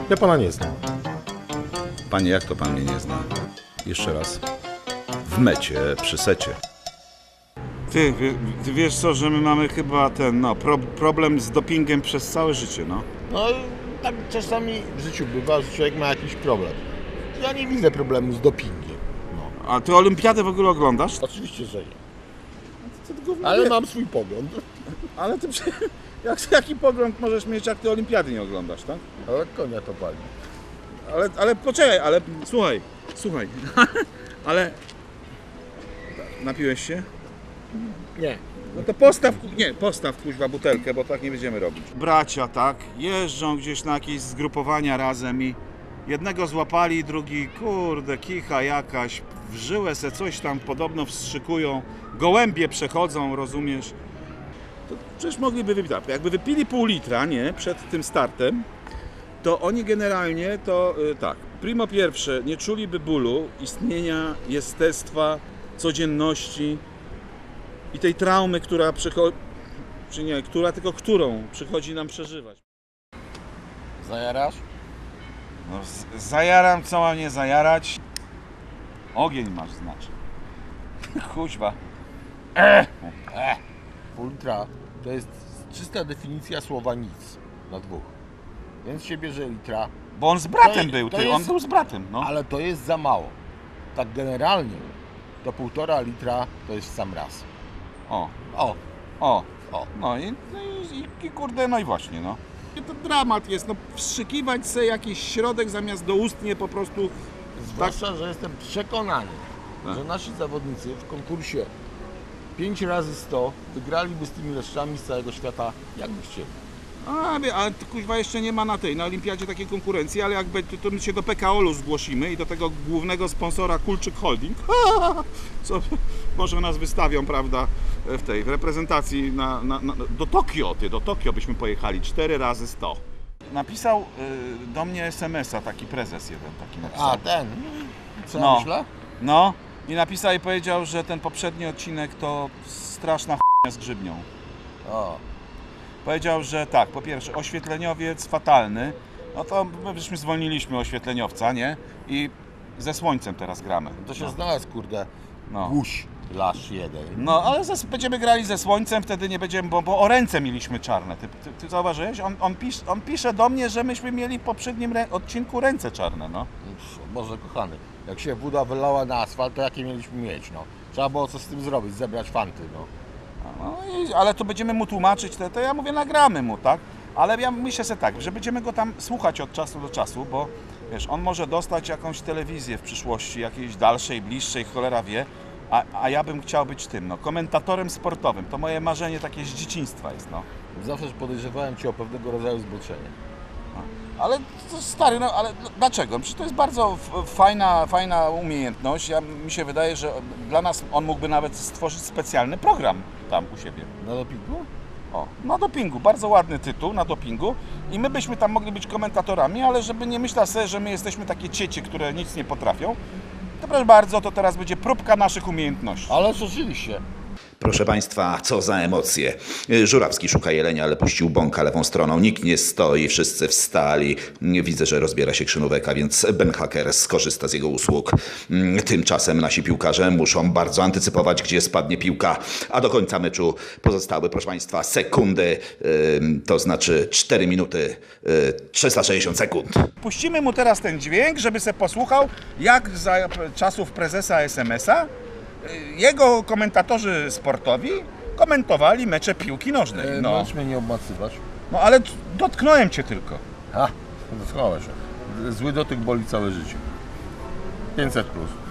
Ja pana nie znam. Panie, jak to pan mnie nie zna? Jeszcze raz. W mecie, przy secie. Ty wiesz co, że my mamy chyba ten, problem z dopingiem przez całe życie, no. No tak czasami w życiu bywa, że człowiek ma jakiś problem. Ja nie widzę problemu z dopingiem. No. A ty olimpiadę w ogóle oglądasz? Oczywiście, że nie. Ale mam swój pogląd. Ale ty, jaki pogląd możesz mieć, jak ty olimpiady nie oglądasz, tak? Ale konia to pali. Ale poczekaj, ale słuchaj, ale napiłeś się? Nie. No to postaw kuźwa butelkę, bo tak nie będziemy robić. Bracia, tak, jeżdżą gdzieś na jakieś zgrupowania razem i jednego złapali, drugi, kurde, kicha jakaś, w żyłę se coś tam podobno wstrzykują, gołębie przechodzą, rozumiesz? To przecież mogliby wypić, tak, jakby wypili pół litra, nie, przed tym startem, to oni generalnie to tak, primo pierwsze, nie czuliby bólu, istnienia, jestestwa, codzienności i tej traumy, która przychodzi, czy nie, którą przychodzi nam przeżywać. Zajarasz? No, zajaram, co mam nie zajarać? Ogień masz, znaczy. Kuźwa. Pół litra to jest czysta definicja słowa nic na dwóch. Więc się bierze litra. Bo on z bratem To był, to ty, jest- on był z bratem, no. Ale to jest za mało. Tak generalnie to 1,5 litra to jest w sam raz. O, O, o, o. no i kurde, no i właśnie, no. I to dramat jest, no, wstrzykiwać sobie jakiś środek zamiast doustnie po prostu. Zwłaszcza, że jestem przekonany, Tak. że nasi zawodnicy w konkursie 5 razy 100 wygraliby z tymi leszczami z całego świata, jakby chcieli. Ale to, kuźwa, jeszcze nie ma na olimpiadzie takiej konkurencji, ale jakby to my się do PKOL-u zgłosimy i do tego głównego sponsora Kulczyk Holding, co może nas wystawią, prawda, w reprezentacji do Tokio byśmy pojechali 4 razy 100. Napisał do mnie SMS-a taki prezes jeden taki napisał. A, ten. Co No. myślę? No i napisał i powiedział, że ten poprzedni odcinek to straszna ch**nia z grzybnią. O, Powiedział, że tak, po pierwsze oświetleniowiec fatalny, no to my żeśmy zwolniliśmy oświetleniowca, nie? I ze słońcem teraz gramy. to się znalazł, kurde, No. guś lasz jeden. No, ale będziemy grali ze słońcem, wtedy nie będziemy, bo o ręce mieliśmy czarne. Ty zauważyłeś? On pisze do mnie, że myśmy mieli w poprzednim odcinku ręce czarne, no. Boże kochany, jak się woda wylała na asfalt, to jakie mieliśmy mieć, no. Trzeba było coś z tym zrobić, zebrać fanty, no. No ale to będziemy mu tłumaczyć, to ja mówię, nagramy mu, tak? Ale ja myślę sobie tak, że będziemy go tam słuchać od czasu do czasu, bo wiesz, on może dostać jakąś telewizję w przyszłości, jakiejś dalszej, bliższej, cholera wie, a ja bym chciał być tym, no, komentatorem sportowym. To moje marzenie takie z dzieciństwa jest, no. Zawsze podejrzewałem Cię o pewnego rodzaju zboczenie. Ale to stary, no ale dlaczego? Przecież to jest bardzo fajna umiejętność. Mi się wydaje, że dla nas on mógłby nawet stworzyć specjalny program tam u siebie. Na dopingu? O, na dopingu, bardzo ładny tytuł, na dopingu i my byśmy tam mogli być komentatorami, ale żeby nie myśleć sobie, że my jesteśmy takie ciecie, które nic nie potrafią, to proszę bardzo, to teraz będzie próbka naszych umiejętności. Ale oczywiście. Proszę Państwa, co za emocje. Żurawski szuka jelenia, ale puścił bąka lewą stroną. Nikt nie stoi, wszyscy wstali. Widzę, że rozbiera się krzynówek, a więc Ben Hacker skorzysta z jego usług. Tymczasem nasi piłkarze muszą bardzo antycypować, gdzie spadnie piłka, a do końca meczu pozostały, proszę Państwa, sekundy, to znaczy 4 minuty 360 sekund. Puścimy mu teraz ten dźwięk, żeby se posłuchał, jak za czasów prezesa SMS-a jego komentatorzy sportowi komentowali mecze piłki nożnej. No, Możesz mnie nie obmacywać. no ale dotknąłem cię tylko. A, dotknąłeś. Zły dotyk boli całe życie. 500+.